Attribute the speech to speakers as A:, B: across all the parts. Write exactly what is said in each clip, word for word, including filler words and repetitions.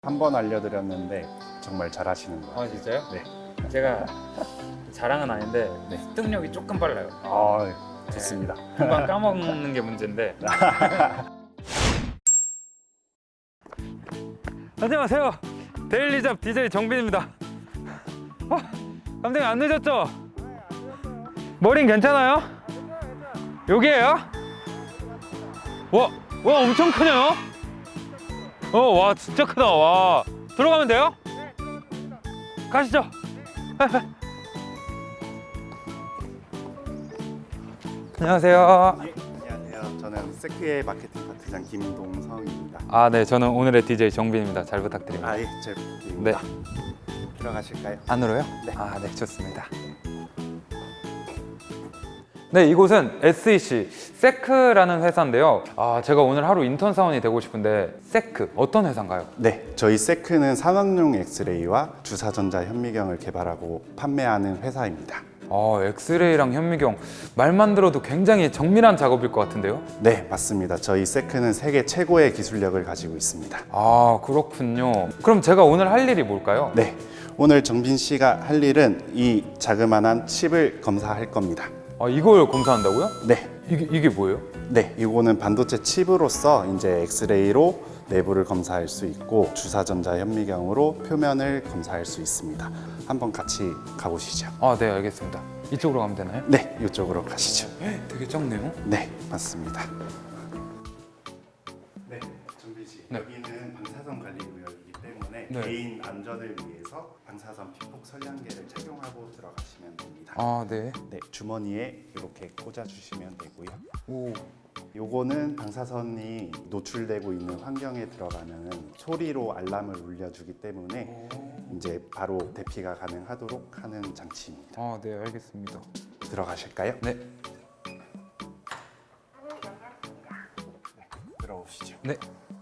A: 한 번 알려드렸는데 정말 잘하시는 것 같아요.
B: 아 진짜요?
A: 네.
B: 제가 자랑은 아닌데
A: 네.
B: 습득력이 조금 빨라요.
A: 아, 좋습니다.
B: 네, 금방 까먹는 게 문제인데. 안녕하세요. 데일리잡 디제이 정빈입니다. 어, 감독님 안 늦었죠? 머린 괜찮아요? 여기에요? 와, 와 엄청 크네요. 어, 와 진짜 크다. 와, 들어가면 돼요? 가시죠. 안녕하세요.
A: 예, 안녕하세요. 저는 세크의 마케팅 파트장 김동성입니다.
B: 아, 네, 저는 오늘의 디제이 정빈입니다. 잘 부탁드립니다.
A: 아, 예, 잘 부탁드립니다. 들어가실까요?
B: 안으로요?
A: 네.
B: 아, 네, 좋습니다. 네, 이곳은 에스이씨 세크라는 회사인데요. 아, 제가 오늘 하루 인턴 사원이 되고 싶은데 세크 어떤 회사인가요?
A: 네, 저희 세크는 산업용 엑스레이와 주사전자 현미경을 개발하고 판매하는 회사입니다.
B: 아, 엑스레이랑 현미경 말만 들어도 굉장히 정밀한 작업일 것 같은데요?
A: 네, 맞습니다. 저희 세크는 세계 최고의 기술력을 가지고 있습니다.
B: 아, 그렇군요. 그럼 제가 오늘 할 일이 뭘까요?
A: 네, 오늘 정빈 씨가 할 일은 이 자그마한 칩을 검사할 겁니다.
B: 아, 이걸 검사한다고요?
A: 네,
B: 이게, 이게 뭐예요?
A: 네, 이거는 반도체 칩으로서 이제 엑스레이로 내부를 검사할 수 있고 주사전자 현미경으로 표면을 검사할 수 있습니다. 한번 같이 가보시죠.
B: 아, 네, 알겠습니다. 이쪽으로 가면 되나요?
A: 네, 이쪽으로 가시죠.
B: 되게 작네요.
A: 네, 맞습니다. 네, 정빈 씨.
B: 네.
A: 여기는 방사선 관리 구역이기 때문에
B: 네.
A: 개인 안전을 위해서 방사선 피폭 선량계를 착용하고 들어가시면 됩니다.
B: 아, 네.
A: 네, 주머니에 이렇게 꽂아 주시면 되고요.
B: 오.
A: 요거는 방사선이 노출되고 있는 환경에 들어가면 소리로 알람을 울려주기 때문에 이제 바로 대피가 가능하도록 하는 장치입니다.
B: 아, 네, 알겠습니다.
A: 들어가실까요?
B: 네.
A: 들어오시죠.
B: 네.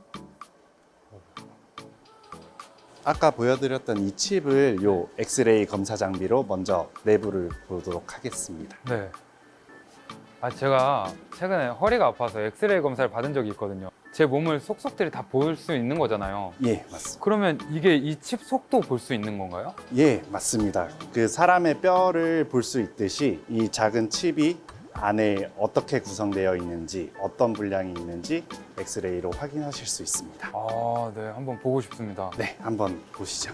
A: 아까 보여드렸던 이 칩을 요 엑스레이 검사 장비로 먼저 내부를 보도록 하겠습니다.
B: 네. 아, 제가 최근에 허리가 아파서 엑스레이 검사를 받은 적이 있거든요. 제 몸을 속속들이 다 볼 수 있는 거잖아요.
A: 예, 맞습니다.
B: 그러면 이게 이 칩 속도 볼 수 있는 건가요?
A: 예, 맞습니다. 그 사람의 뼈를 볼 수 있듯이 이 작은 칩이 안에 어떻게 구성되어 있는지, 어떤 분량이 있는지 엑스레이로 확인하실 수 있습니다.
B: 아, 네, 한번 보고 싶습니다.
A: 네, 한번 보시죠.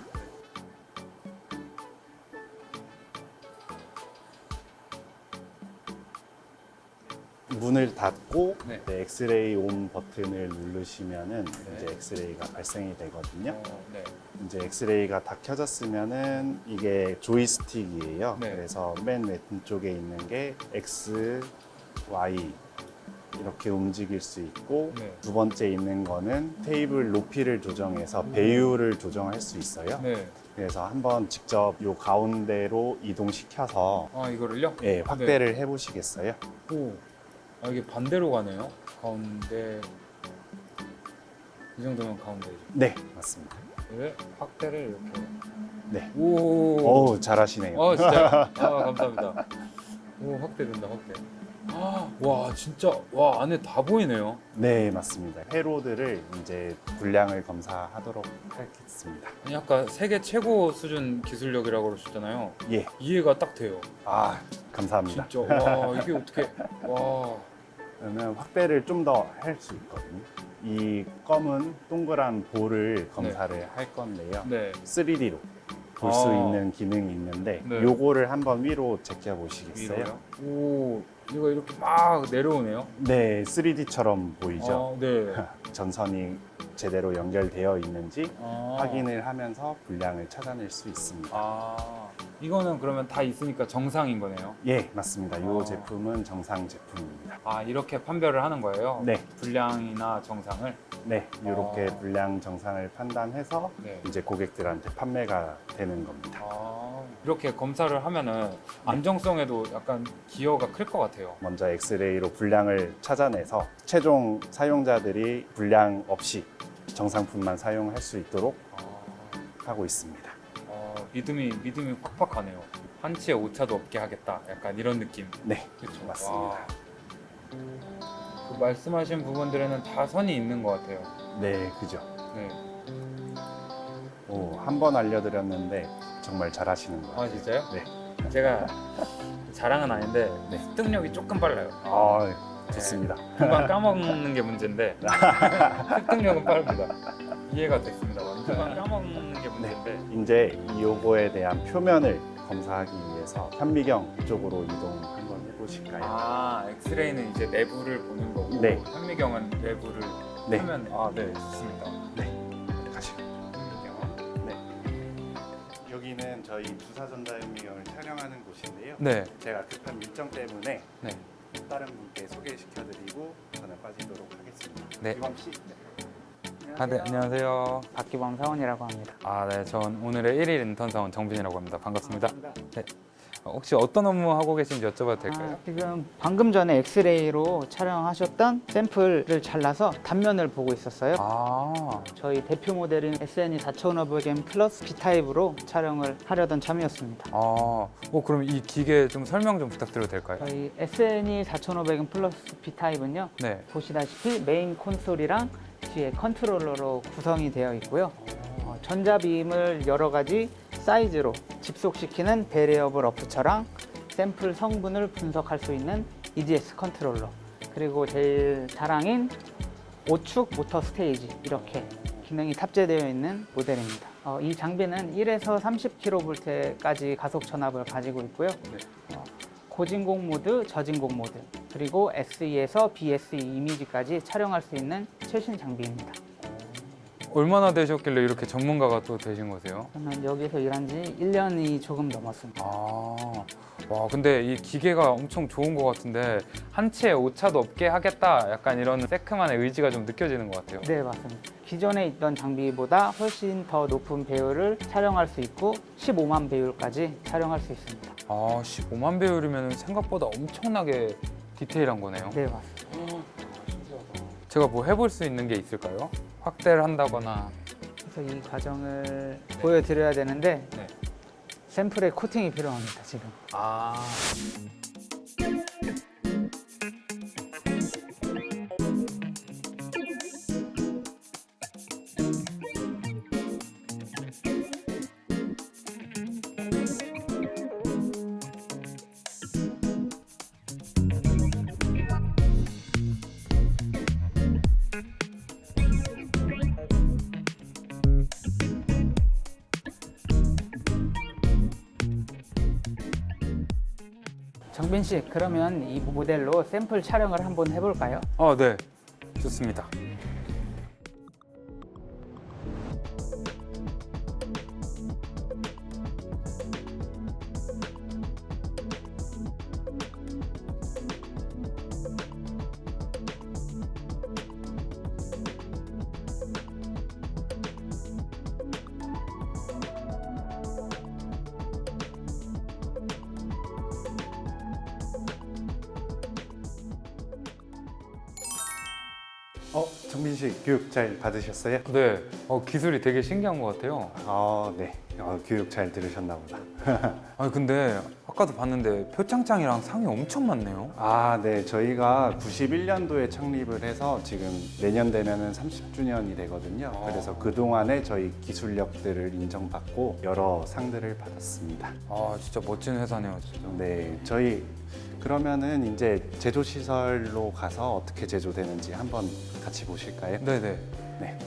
A: 문을 닫고
B: 네.
A: 네, 엑스레이 온 버튼을 누르시면은
B: 네.
A: 이제 엑스레이가 발생이 되거든요.
B: 어, 네.
A: 이제 엑스레이가 다 켜졌으면은 이게 조이스틱이에요.
B: 네.
A: 그래서 맨 왼쪽에 있는 게 X, Y 이렇게 움직일 수 있고
B: 네.
A: 두 번째 있는 거는 테이블 높이를 조정해서 배율을 조정할 수 있어요.
B: 네.
A: 그래서 한번 직접 요 가운데로 이동시켜서
B: 아, 이거를요?
A: 예, 확대를 해보시겠어요?
B: 오. 아, 이게 반대로 가네요. 가운데. 이 정도면 가운데죠.
A: 네, 맞습니다.
B: 네, 확대를 이렇게.
A: 네.
B: 오.
A: 오, 잘하시네요.
B: 아, 진짜요? 아, 감사합니다. 오, 확대된다, 확대. 아, 와, 진짜, 와, 안에 다 보이네요.
A: 네, 맞습니다. 회로들을 이제 분량을 검사하도록 하겠습니다.
B: 아니, 아까 세계 최고 수준 기술력이라고 그러셨잖아요.
A: 예,
B: 이해가 딱 돼요.
A: 아, 감사합니다.
B: 진짜, 와, 이게 어떻게, 와.
A: 그러면 확대를 좀 더 할 수 있거든요. 이 검은 동그란 볼을 검사를 할 건데요.
B: 네.
A: 쓰리디로 볼 수
B: 아.
A: 있는 기능이 있는데
B: 네.
A: 요거를 한번 위로 제껴 보시겠어요?
B: 위로요? 오, 이거 이렇게 막 내려오네요.
A: 네, 쓰리디처럼 보이죠?
B: 아, 네.
A: 전선이 제대로 연결되어 있는지
B: 아.
A: 확인을 하면서 분량을 찾아낼 수 있습니다.
B: 아, 이거는 그러면 다 있으니까 정상인 거네요.
A: 예, 맞습니다. 이
B: 아.
A: 제품은 정상 제품입니다.
B: 아, 이렇게 판별을 하는 거예요?
A: 네.
B: 분량이나 정상을?
A: 네, 이렇게
B: 아.
A: 분량 정상을 판단해서
B: 네.
A: 이제 고객들한테 판매가 되는 겁니다.
B: 아, 이렇게 검사를 하면은 안정성에도 약간 기여가 클 것 같아요.
A: 먼저 엑스레이로 분량을 찾아내서 최종 사용자들이 분량 없이 정상품만 사용할 수 있도록
B: 아,
A: 하고 있습니다.
B: 어, 믿음이 믿음이 확확 가네요. 한치의 오차도 없게 하겠다. 약간 이런 느낌.
A: 네,
B: 그렇죠.
A: 맞습니다.
B: 그 말씀하신 부분들에는 다 선이 있는 것 같아요.
A: 네, 그죠.
B: 네.
A: 오, 한 번 알려드렸는데 정말 잘하시는 것 같아요.
B: 아 진짜요?
A: 네.
B: 제가 자랑은 아닌데
A: 네.
B: 습득력이 조금 빨라요.
A: 아, 좋습니다.
B: 금방 까먹는 게 문제인데 습득력은 빠릅니다. 이해가 됐습니다. 금방 까먹는 게 문제인데.
A: 이제 이 요거에 대한 표면을 검사하기 위해서 현미경 쪽으로 이동 한번 해보실까요?
B: 아, 엑스레이는 이제 내부를 보는 거고
A: 네.
B: 현미경은 외부를
A: 네.
B: 표면. 아, 네, 좋습니다.
A: 가시고.
B: 현미경.
A: 네. 여기는 저희 부사전자현미경을 촬영하는 곳인데요.
B: 네.
A: 제가 급한 일정 때문에
B: 네.
A: 다른 분께 소개시켜드리고 저는 빠지도록 하겠습니다.
B: 네.
A: 이범 씨.
B: 아, 네, 안녕하세요.
C: 박기범 사원이라고 합니다.
B: 아, 네, 전 오늘의 일 일 인턴 사원 정빈이라고 합니다. 반갑습니다. 네. 어, 혹시 어떤 업무 하고 계신지 여쭤봐도 될까요?
C: 아, 지금 방금 전에 엑스레이로 촬영하셨던 샘플을 잘라서 단면을 보고 있었어요.
B: 아,
C: 저희 대표 모델인 에스엔이 사천오백 엠 플러스 B타입으로 촬영을 하려던 참이었습니다.
B: 아, 어, 그럼 이 기계 좀 설명 좀 부탁드려도 될까요?
C: 저희 에스엔이 사천오백 엠 플러스 B타입은요.
B: 네.
C: 보시다시피 메인 콘솔이랑 뒤에 컨트롤러로 구성이 되어 있고요. 어, 전자비임을 여러 가지 사이즈로 집속시키는 베리어블 어프처랑 샘플 성분을 분석할 수 있는 이디에스 컨트롤러, 그리고 제일 자랑인 오축 모터 스테이지, 이렇게 기능이 탑재되어 있는 모델입니다. 어, 이 장비는 일에서 삼십 킬로볼트까지 가속 전압을 가지고 있고요. 어, 고진공 모드, 저진공 모드, 그리고 에스이에서 비에스이 이미지까지 촬영할 수 있는 최신 장비입니다.
B: 얼마나 되셨길래 이렇게 전문가가 또 되신 거세요?
C: 저는 여기서 일한 지 일 년이 조금 넘었습니다.
B: 아, 와, 근데 이 기계가 엄청 좋은 것 같은데 한 치의 오차도 없게 하겠다, 약간 이런 세크만의 의지가 좀 느껴지는 것 같아요.
C: 네, 맞습니다. 기존에 있던 장비보다 훨씬 더 높은 배율을 촬영할 수 있고 십오만 배율까지 촬영할 수 있습니다.
B: 아, 십오만 배율이면 생각보다 엄청나게 디테일한 거네요.
C: 네, 맞습니다.
B: 제가 뭐 해볼 수 있는 게 있을까요? 확대를 한다거나.
C: 그래서 이 과정을 보여드려야 되는데
B: 네.
C: 샘플에 코팅이 필요합니다, 지금.
B: 아.
C: 정빈 씨, 그러면 이 모델로 샘플 촬영을 한번 해볼까요?
B: 아, 네. 좋습니다.
A: 어, 정빈 씨 교육 잘 받으셨어요?
B: 네. 어, 기술이 되게 신기한 것 같아요.
A: 아, 네. 어, 교육 잘 들으셨나 보다.
B: 아니, 근데 아까도 봤는데 표창장이랑 상이 엄청 많네요.
A: 아, 네. 저희가 구십일 년도에 창립을 해서 지금 내년 되면은 삼십 주년이 되거든요.
B: 아.
A: 그래서 그동안에 저희 기술력들을 인정받고 여러 상들을 받았습니다.
B: 아, 진짜 멋진 회사네요. 진짜.
A: 네. 저희 그러면은 이제 제조 시설로 가서 어떻게 제조되는지 한번 같이 보실까요?
B: 네네.
A: 네.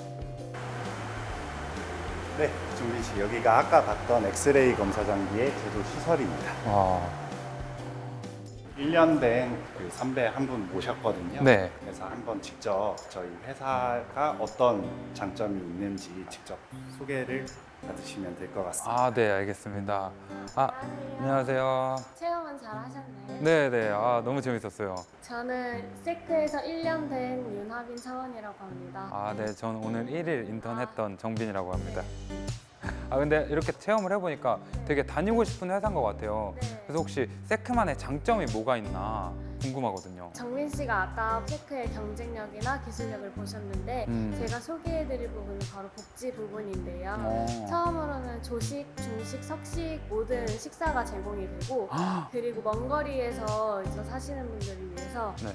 A: 네, 정빈 씨, 여기가 아까 봤던 엑스레이 검사 장비의 제조 시설입니다.
B: 와.
A: 일 년 된 그 선배 한 분 모셨거든요.
B: 네.
A: 그래서 한번 직접 저희 회사가 어떤 장점이 있는지 직접 소개를 받으시면 될 것 같습니다.
B: 아, 네, 알겠습니다. 아, 안녕하세요.
D: 체험은 잘 하셨나요?
B: 네네. 아, 너무 재밌었어요.
D: 저는 세크에서 일 년 된 윤하빈 사원이라고 합니다.
B: 아, 네, 저는 오늘 일 일 인턴 했던 정빈이라고 합니다. 아, 근데 이렇게 체험을 해보니까 되게 다니고 싶은 회사인 것 같아요.
D: 네.
B: 그래서 혹시 세크만의 장점이 뭐가 있나 궁금하거든요.
D: 정민 씨가 아까 세크의 경쟁력이나 기술력을 보셨는데
B: 음.
D: 제가 소개해드릴 부분은 바로 복지 부분인데요.
B: 어.
D: 처음으로는 조식, 중식, 석식 모든 식사가 제공이 되고
B: 아,
D: 그리고 먼 거리에서 이제 사시는 분들을 위해서
B: 네.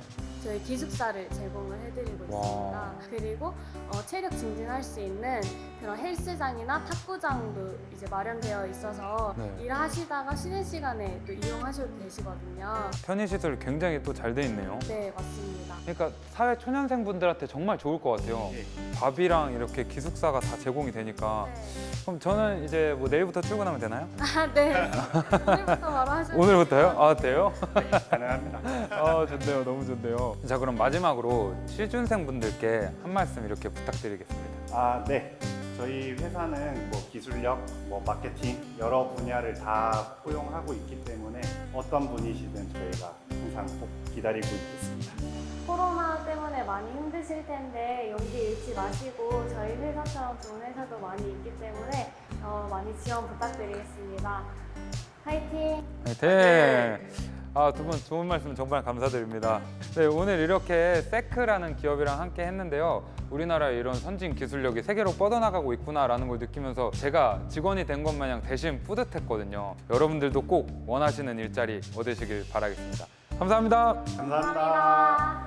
D: 저희 기숙사를 제공을 해드리고
B: 와.
D: 있습니다. 그리고 어, 체력 증진할 수 있는 그런 헬스장이나 탁구장도 이제 마련되어 있어서
B: 네.
D: 일하시다가 쉬는 시간에 또 이용하셔도 되시거든요.
B: 편의시설 굉장히 또 잘 돼 있네요.
D: 네, 맞습니다.
B: 그러니까 사회 초년생분들한테 정말 좋을 것 같아요.
A: 예.
B: 밥이랑 이렇게 기숙사가 다 제공이 되니까.
D: 네.
B: 그럼 저는 이제 뭐 내일부터 출근하면 되나요?
D: 아, 네. 오늘부터 바로 하셔도
B: 오늘부터요? 아, 돼요?
A: 가능합니다.
B: 아, 좋네요. 너무 좋네요. 자, 그럼 마지막으로 취준생분들께 한 말씀 이렇게 부탁드리겠습니다.
A: 아, 네. 저희 회사는 뭐 기술력, 뭐 마케팅 여러 분야를 다 포용하고 있기 때문에 어떤 분이시든 저희가 항상 꼭 기다리고 있겠습니다.
D: 코로나 때문에 많이 힘드실 텐데 용기 잃지 마시고 저희 회사처럼 좋은 회사도 많이 있기 때문에 어, 많이 지원 부탁드리겠습니다. 화이팅!
B: 네. 아, 두 분 좋은 말씀 정말 감사드립니다. 네, 오늘 이렇게 세크라는 기업이랑 함께 했는데요. 우리나라의 이런 선진 기술력이 세계로 뻗어나가고 있구나라는 걸 느끼면서 제가 직원이 된 것 마냥 대신 뿌듯했거든요. 여러분들도 꼭 원하시는 일자리 얻으시길 바라겠습니다. 감사합니다.
A: 감사합니다.
D: 감사합니다.